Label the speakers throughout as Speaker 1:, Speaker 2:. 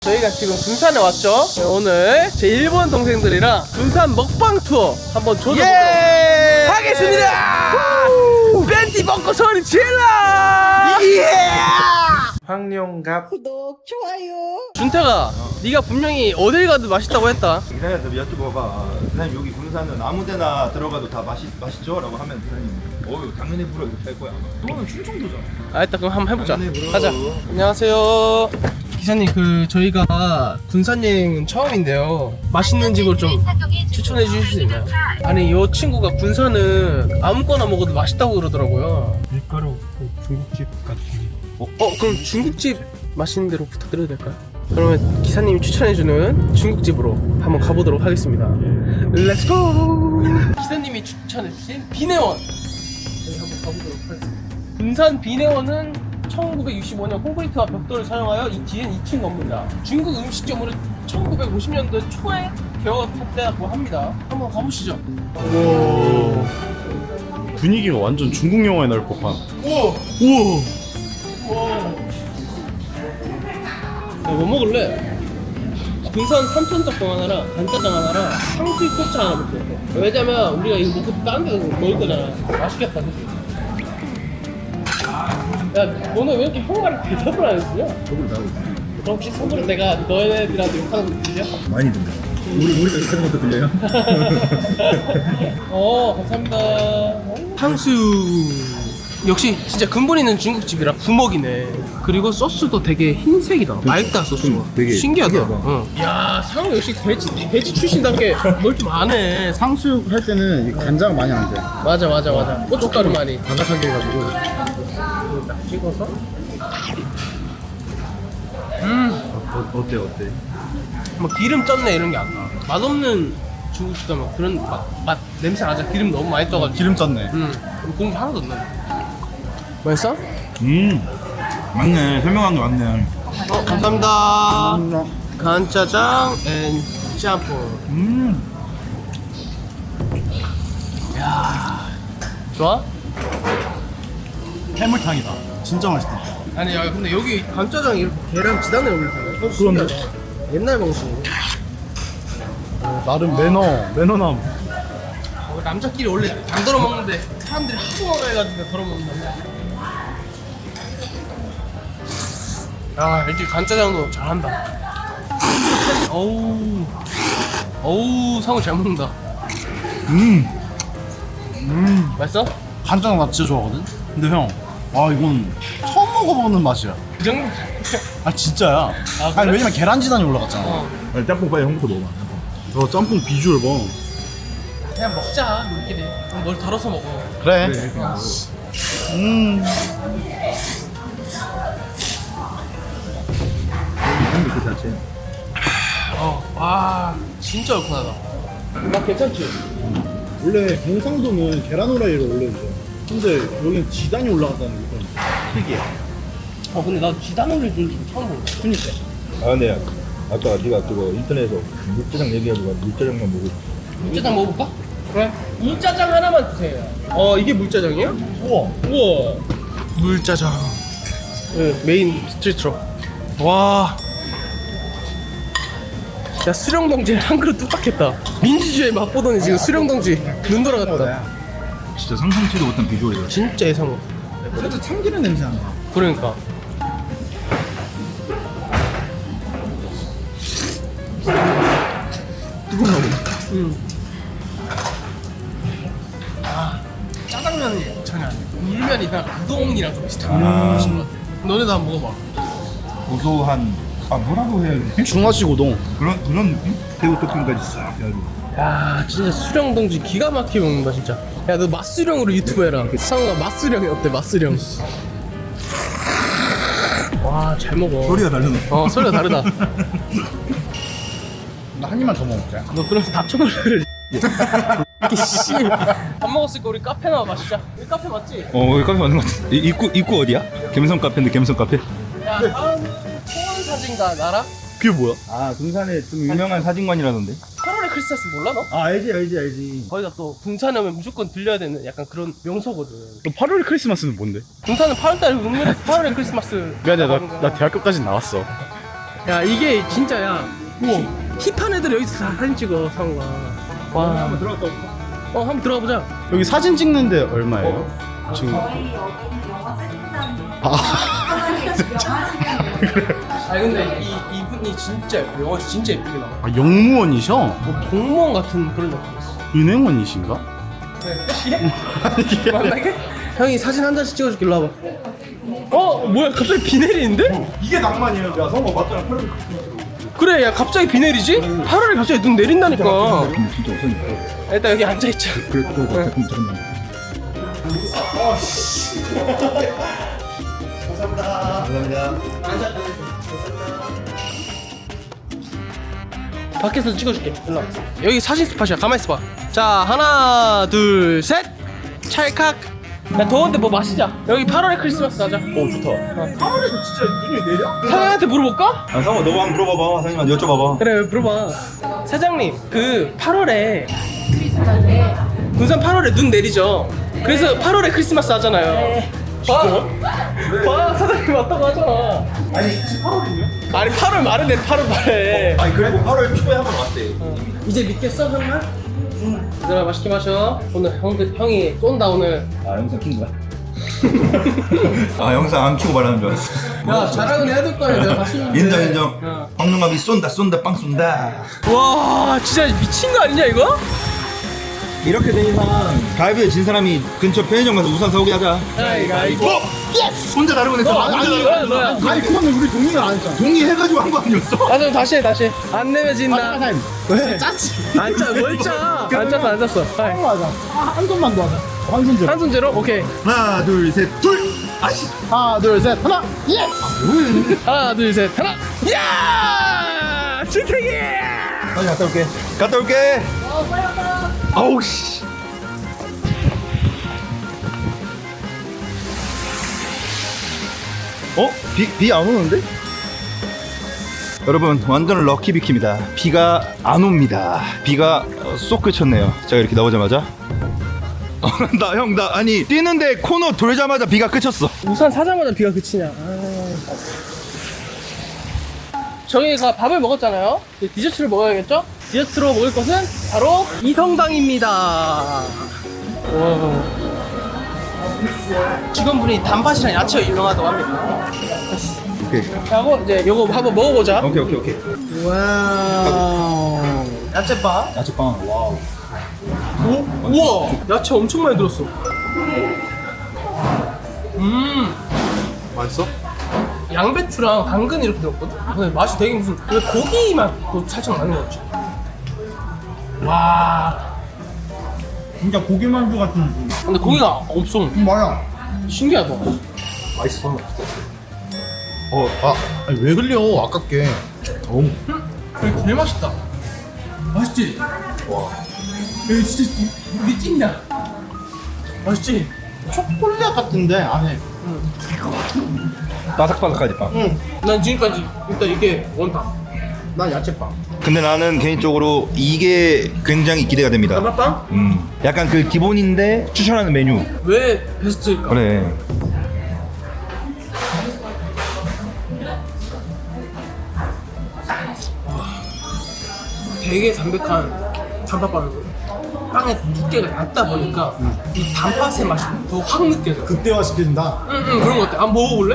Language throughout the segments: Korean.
Speaker 1: 저희가 지금 군산에 왔죠. 오늘 제 일본 동생들이랑 군산 먹방 투어 한번 조져보도록 하겠습니다. 팬티 벗고 소리 질러.
Speaker 2: 황룡갑
Speaker 3: 구독, 좋아요.
Speaker 1: 준태가 네가 분명히 어딜 가도 맛있다고 했다.
Speaker 2: 기사님한테 여쭤봐봐. 기사님 여기 군산은 아무데나 들어가도 다 맛있죠? 라고 하면 기사님 당연히 불어 이렇게 할 거야. 너는 충청도잖아.
Speaker 1: 일단 그럼 한번 해보자.
Speaker 2: 당연히 불어.
Speaker 1: 가자. 안녕하세요. 기사님, 저희가 군산 여행은 처음인데요. 맛있는 집을 좀 추천해 주실 수 있나요? 아니, 이 친구가 군산은 아무거나 먹어도 맛있다고 그러더라고요.
Speaker 4: 밀가루 중국집 같은
Speaker 1: 그럼 중국집 맛있는 데로 부탁드려도 될까요? 그러면 기사님이 추천해주는 중국집으로 한번 가보도록 하겠습니다. 렛츠고! 기사님이 추천해주신 비내원! 저희 한번 가보도록 하겠습니다. 군산 비내원은 1965년 콘크리트와 벽돌을 사용하여 뒤엔 2층 건물이다. 중국 음식점으로 1950년대 초에 개업했다고 합니다. 한번 가보시죠.
Speaker 4: 우와 분위기가 완전 중국 영화에 나올 법한.
Speaker 1: 우와! 뭐 먹을래? 군산 삼천짬뽕 하나랑 간짜장 하나랑 탕수육 소차 하나 먹을게. 왜냐면 우리가 이거 먹고 다른 데 먹을 거잖아. 맛있겠다, 그치? 야, 너는 왜 이렇게 형말을 대답을 안 해주냐?
Speaker 2: 저걸 나오고 있어.
Speaker 1: 그럼 혹시 선물은 내가 너네들한테 욕하는 거 들려?
Speaker 2: 많이 듣네. 우리가 이렇게 하는 것도 들려요?
Speaker 1: 감사합니다. 탕수육. 역시 진짜 근본 있는 중국집이라 부먹이네. 그리고 소스도 되게 흰색이다. 맑다, 소스가.
Speaker 2: 되게
Speaker 1: 신기하다.
Speaker 2: 특이하다.
Speaker 1: 응. 야, 상우 역시 돼지 출신답게 뭘 좀 안 해.
Speaker 4: 탕수육 할 때는 이 간장 많이 안 돼.
Speaker 1: 맞아. 고춧가루 많이.
Speaker 4: 바삭하게 해가지고.
Speaker 1: 딱 찍어서.
Speaker 2: 어때?
Speaker 1: 뭐 기름 쪘네 이런 게 안 나. 맛없는 중국집 가면 그런 맛 냄새 나잖아. 기름 너무 많이 떠가지고.
Speaker 4: 기름 쪘네.
Speaker 1: 공기 하나도 안 나. 맛있어?
Speaker 2: 맞네. 설명한 게 맞네.
Speaker 1: 감사합니다. 간짜장 앤 짬뽕. 야, 좋아?
Speaker 4: 해물탕이다. 진짜 맛있다.
Speaker 1: 아니, 야, 근데 여기 간짜장 이렇게 계란 지단에 올리잖아.
Speaker 4: 그런데?
Speaker 1: 옛날 방식.
Speaker 4: 나름 매너남.
Speaker 1: 남자끼리 원래 안 덜어 먹는데 사람들이 하도 먹어가지고 덜어 먹는다. 아, 이렇게 간짜장도 잘한다. 어우, 상우 잘 먹는다. 맛있어?
Speaker 4: 간장 나 진짜 좋아하거든. 근데 형, 이건 처음 먹어보는 맛이야.
Speaker 1: 그 정도?
Speaker 4: 진짜야.
Speaker 1: 그래?
Speaker 4: 아니 왜냐면 계란지단이 올라갔잖아.
Speaker 2: 아니, 짬뽕 빨리 형부터 먹어봐.
Speaker 4: 짬뽕 비주얼 봐.
Speaker 1: 그냥 먹자, 우리끼리. 그럼 뭘 덜어서 먹어.
Speaker 4: 그래.
Speaker 2: 형도 그 자체.
Speaker 1: 와, 진짜 얼큰하다. 맛 괜찮지?
Speaker 4: 원래 경상도는 계란 후라이를 올려주죠. 근데 여기는 지단이 올라갔다는 게 좀 특이해.
Speaker 1: 근데 나 지단 올릴 줄 처음 보네.
Speaker 4: 그니까.
Speaker 2: 근데 아까 네가 그거 인터넷에서 물짜장 얘기해가지고 물짜장만 먹고.
Speaker 1: 물짜장 먹어볼까? 그래. 물짜장 하나만 주세요. 이게 물짜장이야?
Speaker 4: 우와.
Speaker 1: 물짜장. 네, 메인 스트리트로. 와. 야, 수령동지 한 그릇 뚝딱했다. 민주주의 맛보더니 지금 수령동지 눈 돌아갔다.
Speaker 2: 진짜 상상치도 못한 비주얼이야.
Speaker 1: 진짜 예상 못.
Speaker 4: 살짝 참기름 냄새 난다.
Speaker 1: 그러니까.
Speaker 4: 뜨거운가 보다.
Speaker 1: 짜장면이 전혀 아니야. 물면이나 우동이랑 좀 비슷한 맛인 것 같아. 너네도 한번 먹어봐.
Speaker 2: 고소한 뭐라고 해야 돼?
Speaker 4: 중화식 우동.
Speaker 2: 그런 느낌? 새우 토핑까지 싹 해가지고.
Speaker 1: 야, 진짜 수령동지 기가 막히게 먹는다 진짜. 야, 너 맛수령으로 유튜브 해라. 상우가 맛수령이 어때? 맛수령. 와, 잘 먹어.
Speaker 2: 소리가 다르네.
Speaker 1: 소리가 다르다.
Speaker 4: 나 한 입만 더 먹을게.
Speaker 1: 너 그러면서 답정을 이렇게 씨. 밥 먹었으니까 우리 카페 나와 마시자. 여기 카페 맞지?
Speaker 2: 여기 카페 맞는 것 같아. 입구 어디야? 갬성 카페인데 갬성 카페?
Speaker 1: 야, 다음은 초원 사진가 나라?
Speaker 4: 그게 뭐야?
Speaker 2: 군산에 좀 유명한 사진관이라던데.
Speaker 1: 8월의 크리스마스 몰라 너?
Speaker 2: 알지.
Speaker 1: 거기가 또 군산에 오면 무조건 들려야 되는 약간 그런 명소거든.
Speaker 4: 너 8월 크리스마스는 뭔데?
Speaker 1: 군산은 8월달에 8월의 크리스마스.
Speaker 4: 미안해, 나 대학교까지 나왔어.
Speaker 1: 야 이게 진짜야. 우와. 힙한 애들 여기서 다 사진 찍어 상우가. 와.
Speaker 2: 한번 들어갔다 올까?
Speaker 1: 한번 들어가 보자.
Speaker 4: 여기 사진 찍는데 얼마예요? 지금
Speaker 3: 저희 여기는 영화 세트장이에요.
Speaker 1: 아니 근데 이분이 진짜 예뻐. 영화에서 진짜 예쁘게 나와.
Speaker 4: 아, 영무원이셔?
Speaker 1: 뭐 공무원 같은 그런 느낌이었어.
Speaker 4: 은행원이신가?
Speaker 1: 네. 만나게? 형이 사진 한 장씩 찍어줄게. 일로 와봐. 뭐야 갑자기 비 내리는데?
Speaker 2: 이게 낭만이에요. 야 성호 맞잖아.
Speaker 1: 그래 야 갑자기 비 내리지? 8월에 갑자기 눈 내린다니까.
Speaker 2: 진짜 없으니까.
Speaker 1: 일단 여기 앉아있자.
Speaker 2: 그래 또 조금 들었나.
Speaker 1: 밖에서 찍어줄게. 일로 와. 여기 사진 스팟이야. 가만히 있어봐. 자 하나 둘 셋. 찰칵. 야 더운데 뭐 마시자. 여기 8월에 크리스마스 하자.
Speaker 2: 오 좋다.
Speaker 4: 8월에 진짜 눈이 내려?
Speaker 1: 사장님한테 물어볼까?
Speaker 2: 아 성호 너가 한번 물어봐봐. 사장님한테 여쭤봐봐.
Speaker 1: 그래 물어봐. 사장님 그 8월에 군산 8월에 눈 내리죠. 그래서 8월에 크리스마스 하잖아요. 봐 사장님 왔다고 하잖아.
Speaker 2: 아니 8월이냐?
Speaker 1: 아니 8월 말은 내 8월 말에.
Speaker 2: 아니 그리고 8월 초에 한 번 왔대.
Speaker 1: 이제 믿겠어 형만? 얘들아 맛있게 마셔. 오늘 형이 쏜다 오늘.
Speaker 2: 아 영상 킨 거야? 아 영상 안 키고 말하는 줄 알았어.
Speaker 1: 야 자랑은 해야 될 거 아니야. 내가 봤었는데.
Speaker 2: 인정 인정. 황룡갑이 쏜다 빵 쏜다.
Speaker 1: 와 진짜 미친 거 아니냐 이거?
Speaker 2: 이렇게 된 이상 가위바위보 진 사람이 근처 편의점 가서 우산 사오게 하자.
Speaker 1: 가위바위보.
Speaker 2: 예스! 혼자 다르고 냈어.
Speaker 1: 뭐야?
Speaker 4: 아니 그거는 우리 동의를 안 했잖아.
Speaker 2: 동의해가지고 한 거 아니었어?
Speaker 1: 다시 다시 해 다시. 안 내면 진다.
Speaker 4: 왜? 짰지.
Speaker 1: 안 짜, 뭘 짜? 안 짰어, 안 짰어. 하이.
Speaker 4: 하자. 한 손만 더 하자. 한 손 줘.
Speaker 1: 한 손제로? 오케이.
Speaker 2: 하나 둘 셋 둘. 아씨.
Speaker 4: 하나 둘 셋 하나. 예스.
Speaker 1: 하나, 둘, 셋, 하나. 야! 주택이!
Speaker 2: 빨리 갔다 올게. 갔다 올게.
Speaker 3: 빨리 왔다.
Speaker 2: 아우 씨. 비 안 오는데? 여러분 완전 럭키 비키입니다. 비가 안 옵니다. 비가 쏙 그쳤네요. 제가 이렇게 나오자마자 나 아니 뛰는데 코너 돌자마자 비가 그쳤어.
Speaker 1: 우산 사자마자 비가 그치냐. 저희가 밥을 먹었잖아요. 이제 디저트를 먹어야겠죠? 디저트로 먹을 것은 바로 이성당입니다. 와. 직원분이 단팥이랑 야채가 유명하다고 합니다.
Speaker 2: 오케이
Speaker 1: 하고 이제 요거 한번 먹어보자.
Speaker 2: 오케이.
Speaker 1: 와우. 야채밥.
Speaker 2: 야채빵. 와우.
Speaker 1: 오? 우와! 야채 엄청 많이 들었어.
Speaker 2: 맛있어?
Speaker 1: 양배추랑 당근 이렇게 들었거든? 근데 맛이 되게 무슨 왜 고기 맛도 살짝 나는 것 같지? 와.
Speaker 4: 진짜 고기만두 같은 느낌.
Speaker 1: 근데 고기가 없어.
Speaker 4: 뭐야?
Speaker 1: 신기하다.
Speaker 2: 맛있어.
Speaker 4: 아니 왜 흘려? 아깝게.
Speaker 1: 이거 제일 맛있다. 맛있지?
Speaker 2: 와.
Speaker 1: 여기 진짜 우리 찐이야. 맛있지?
Speaker 4: 초콜릿 같은데 안에.
Speaker 2: 바삭바삭하지 빵.
Speaker 1: 응. 난 지금까지 일단 이게 원탑.
Speaker 4: 난 야채빵.
Speaker 2: 근데 나는 개인적으로 이게 굉장히 기대가 됩니다.
Speaker 1: 단팥빵?
Speaker 2: 약간 그 기본인데 추천하는 메뉴.
Speaker 1: 왜 베스트일까?
Speaker 2: 그래.
Speaker 1: 되게 담백한 단팥빵이거든. 빵의 두께가 얇다 보니까 이 단팥의 맛이 더 확 느껴져.
Speaker 4: 극대화 시켜준다.
Speaker 1: 응 그런 거 같아. 한번 먹어볼래?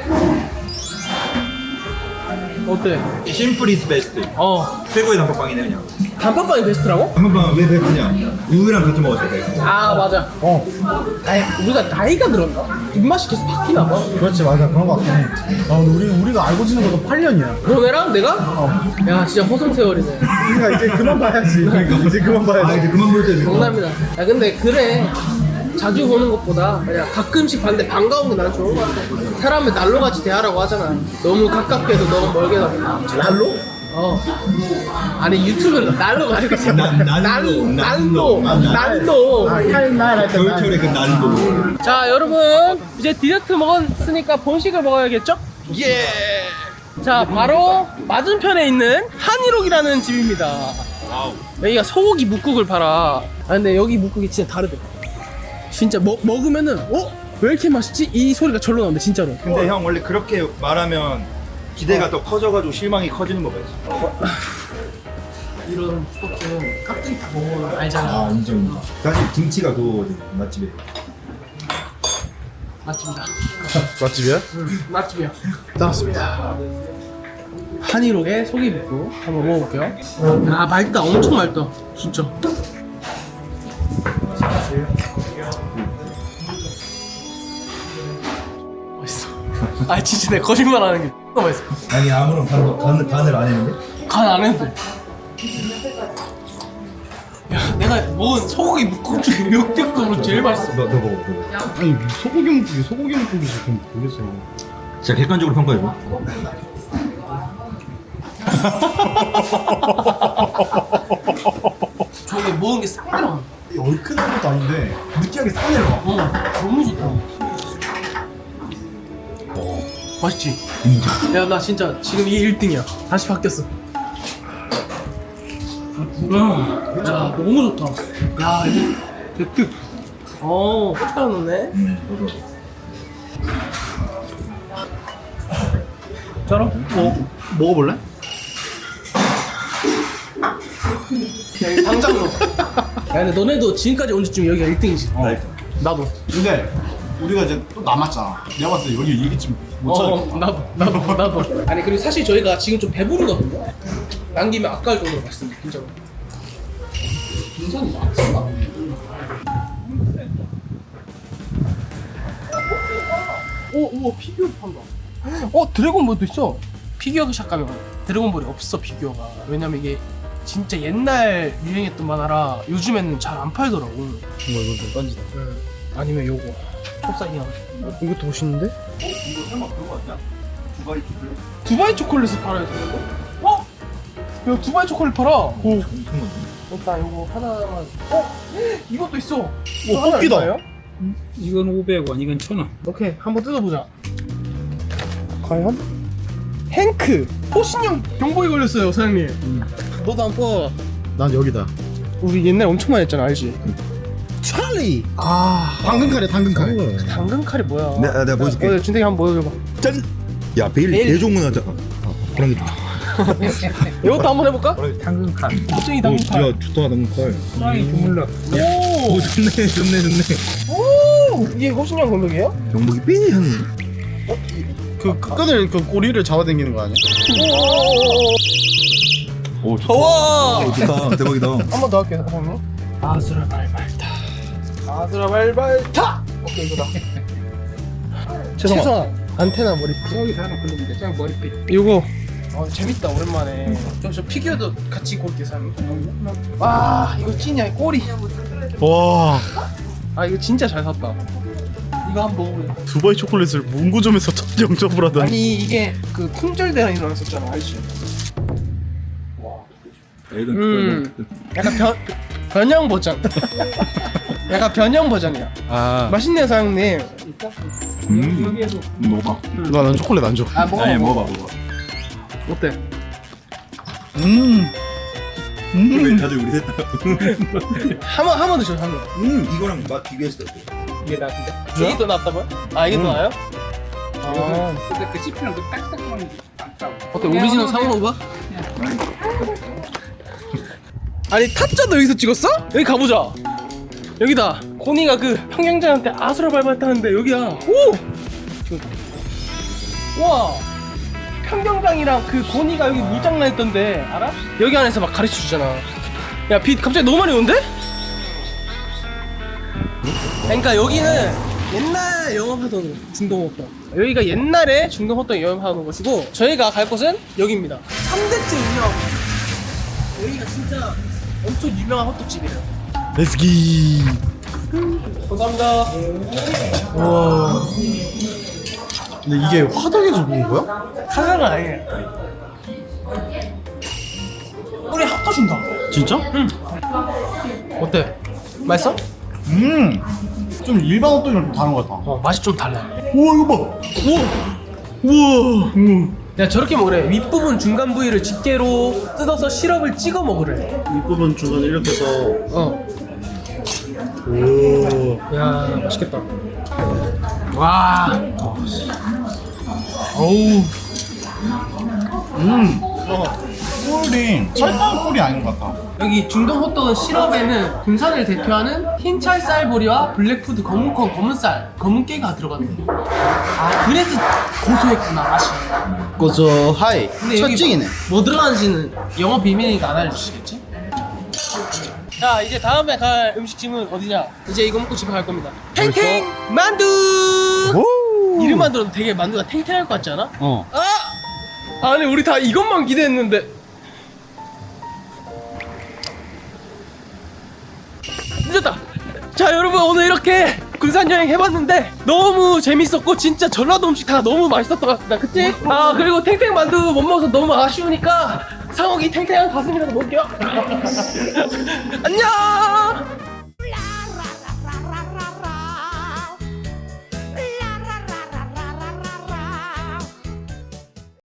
Speaker 1: 어때?
Speaker 2: 심플 이즈 베스트. 최고의 단팥빵이네 그냥.
Speaker 1: 단팥빵이 베스트라고?
Speaker 2: 단팥빵은 왜 베스트냐? 우유랑 같이 먹었을 때.
Speaker 1: 아 맞아. 아니 우리가 나이가 들었나? 입맛이 계속 바뀌나 봐.
Speaker 4: 그렇지 맞아 그런 거 같긴 해. 근데 우리가 알고 지낸 것도 8년이야.
Speaker 1: 너네랑 내가? 야 진짜 허송세월이네.
Speaker 4: 우리가 이제 그만 봐야지. 이제 그만 봐야지.
Speaker 2: 이제 그만 볼 때.
Speaker 1: 농담이다. 야 근데 그래. 자주 보는 것보다 그냥 가끔씩 봤는데 반가운 게 난 좋은 것 같아. 사람을 난로같이 대하라고 하잖아. 너무 가깝게 해도 너무 멀게 가도.
Speaker 4: 난로?
Speaker 1: 아니 유튜브는 난로가 아니고 난로.
Speaker 4: 난로. 칼날 할때
Speaker 2: 겨울철에 그 난도.
Speaker 1: 자 여러분 이제 디저트 먹었으니까 본식을 먹어야겠죠?
Speaker 2: 예.
Speaker 1: 자 바로 맞은편에 있는 한일옥이라는 집입니다. 여기가 소고기 묵국을 팔아. 아 근데 여기 묵국이 진짜 다르대. 진짜 먹으면은 왜 이렇게 맛있지? 이 소리가 절로 나온대 진짜로.
Speaker 2: 근데 형 원래 그렇게 말하면 기대가 더 커져가지고 실망이 커지는 거 봐야지.
Speaker 1: 이런 스포츠는 깍두기 다 먹으면 알잖아.
Speaker 2: 인정. 사실 김치가 그거거든 맛집에.
Speaker 1: 맛집이다.
Speaker 4: 맛집이야?
Speaker 1: 맛집이야. 나왔습니다. 한일옥에 소고기 묵고 한번 먹어볼게요. 아 맛있다. 엄청 맛있다. 진짜. 맛있어. 아 진짜 내 거짓말 하는 게 X나 맛있어.
Speaker 2: 아니 아무런 간을 안 했는데?
Speaker 1: 간 안 해도 돼. 야 내가 먹은 소고기 묵국 중에 역대급으로 제일 맛있어.
Speaker 2: 너 먹어.
Speaker 4: 아니 소고기 묵국이 지금 모르겠어.
Speaker 2: 진짜 객관적으로 평가해봐.
Speaker 1: 저게 먹은 게 싹 들어가.
Speaker 4: 얼큰한 것도 아닌데 느끼하게 싹 내려와.
Speaker 1: 너무 좋다. 맛있지? 야 나 진짜 지금 이게 1등이야. 다시 바뀌었어. 야 너무 좋다. 야 이거 대특. 고춧가루 넣네. 저런
Speaker 4: 먹어볼래?
Speaker 1: 야 이거 당장 넣어. 야 근데 너네도 지금까지 온 지쯤 여기가 1등이지. 나도.
Speaker 4: 근데 우리가 이제 또 남았잖아. 내가 봤을 때 여기 이기쯤 못 찾을 거야.
Speaker 1: 나도. 아니 그리고 사실 저희가 지금 좀 배부르거든요. 남기면 아까울 정도로 맛있습니다. 진짜로. 인상이 맛있나? 오 피규어 판다. 드래곤볼도 있어. 피규어 샵 가면 드래곤볼이 없어 피규어가. 왜냐면 이게 진짜 옛날 유행했던 만화라 요즘에는 잘 안 팔더라고.
Speaker 4: 이거 좀 던지다.
Speaker 1: 아니면 요거 톱사이야. 이것도 멋있는데?
Speaker 2: 이거 설마 그거 아니야? 두바이 초콜릿?
Speaker 1: 두바이 초콜릿을 팔아야 되는데? 야 두바이 초콜릿 팔아. 오. 일단 요거 하나만. 이것도 있어.
Speaker 4: 오 뽑기다.
Speaker 5: 이건 500원, 이건 1000원.
Speaker 1: 오케이 한번 뜯어보자. 과연? 행크 호신형 경보에 걸렸어요 사장님. 너도 한번 뽑아봐.
Speaker 4: 난 여기다.
Speaker 1: 우리 옛날에 엄청 많이 했잖아 알지?
Speaker 4: 찰리. 당근 카레.
Speaker 1: 당근 칼이 뭐야?
Speaker 2: 내가 보여줄게.
Speaker 1: 준택이 한번 보여줘봐.
Speaker 2: 짠. 야 베일
Speaker 1: 베일.
Speaker 2: 대종문 하자. 그런 게 좋다.
Speaker 1: 이것도 한번 해볼까?
Speaker 5: 당근 칼.
Speaker 1: 호신이 당근 칼.
Speaker 4: 야 좋다 당근 칼.
Speaker 5: 프라이 주물럭.
Speaker 1: 오!
Speaker 2: 좋네.
Speaker 1: 오! 이게 호신형 경복이에요?
Speaker 2: 경복이 삐 하는.
Speaker 4: 그 끈을 그 꼬리를 잡아당기는 거 아니야?
Speaker 2: 오 좋다.
Speaker 1: 와!
Speaker 2: 좋다. 대박이다.
Speaker 1: 한 번 더 할게요 사장님. 아수라 발발타. 아수라 발발타. 오케이 이거다. 최성아 안테나 머리핀.
Speaker 5: 여기서 하나 굴리면 돼. 저 머리빛.
Speaker 1: 이거 재밌다 오랜만에. 좀 저 피규어도 같이 골게 사장님. 와 이거 찐이야 꼬리.
Speaker 4: 와
Speaker 1: 아 이거 진짜 잘 샀다. 이거 한번 먹어볼래?
Speaker 4: 두바이 초콜릿을 문구점에서 첫 영접을 하다니.
Speaker 1: 아니 이게 그 품절대란 일어났었잖아 알지? 약간 변형 버전. 약간 변형 버전이야.
Speaker 4: 아
Speaker 1: 맛있네요 사장님.
Speaker 5: 여기에도
Speaker 2: 먹어봐.
Speaker 4: 난 초콜릿 안 줘.
Speaker 1: 아 먹어.
Speaker 2: 아니 먹어봐.
Speaker 1: 어때?
Speaker 2: 왜 다들 우리 셋다.
Speaker 1: 한번 드셔 한 번.
Speaker 2: 이거랑 맛 비교했을 때 어때?
Speaker 5: 이게 나쁜데?
Speaker 1: 이게 더 낫다고요? 아 이게 더 나아요? 아
Speaker 5: 근데 그 씹히는 그 딱딱한 게 낫다고.
Speaker 1: 어때 오리지널 상어가? 아니 타짜도 여기서 찍었어? 여기 가보자. 여기다. 고니가 그 평경자한테 아수라 발발타는데 여기야. 오! 와. 평경장이랑 그 고니가 여기 물장난 했던데 알아? 여기 안에서 막 가르쳐 주잖아. 야 빛 갑자기 너무 많이 오는데? 그러니까 여기는 옛날 영업하던 중동호떡. 여기가 옛날에 중동호떡 영업하던 곳이고 저희가 갈 곳은 여기입니다. 3대째 유명. 여기가 진짜 엄청 유명한 호떡집이에요.
Speaker 4: 레츠기.
Speaker 1: 감사합니다.
Speaker 4: 와. 근데 이게 화덕에서 구운 거야?
Speaker 1: 카자가 아니에요. 우리 핫 떠준다.
Speaker 4: 진짜?
Speaker 1: 어때? 맛있어?
Speaker 4: 좀 일반 호떡이랑 좀 다른 것 같아.
Speaker 1: 맛이 좀 달라.
Speaker 4: 우와 이거 봐. 우와.
Speaker 1: 야 저렇게 먹으래. 윗부분 중간 부위를 집게로 뜯어서 시럽을 찍어 먹으래.
Speaker 4: 윗부분 중간에 이렇게 해서. 오.
Speaker 1: 야 맛있겠다. 와. 어우.
Speaker 4: 꿀이 설탕 꿀이 아닌 것 같아.
Speaker 1: 여기 중동 호떡은 시럽에는 군산을 대표하는 흰 찰쌀보리와 블랙푸드 검은콩 검은쌀 검은깨가 들어갔네. 아 그래서 고소했구나 맛이.
Speaker 4: 고소하이.
Speaker 1: 근데 여기 뭐 들어가는지는 영업 비밀이니까 안 알려주시겠지? 자 이제 다음에 갈 음식점은 어디냐? 이제 이거 먹고 집에 갈 겁니다. 탱탱 만두. 이름만 들어도 되게 만두가 탱탱할 것 같지 않아? 아니 우리 다 이것만 기대했는데. 늦었다. 자 여러분 오늘 이렇게 군산 여행 해봤는데 너무 재밌었고 진짜 전라도 음식 다 너무 맛있었던 것 같습니다. 그치? 아 그리고 탱탱 만두 못 먹어서 너무 아쉬우니까 상욱이 탱탱한 가슴이라도 먹을게요. 안녕.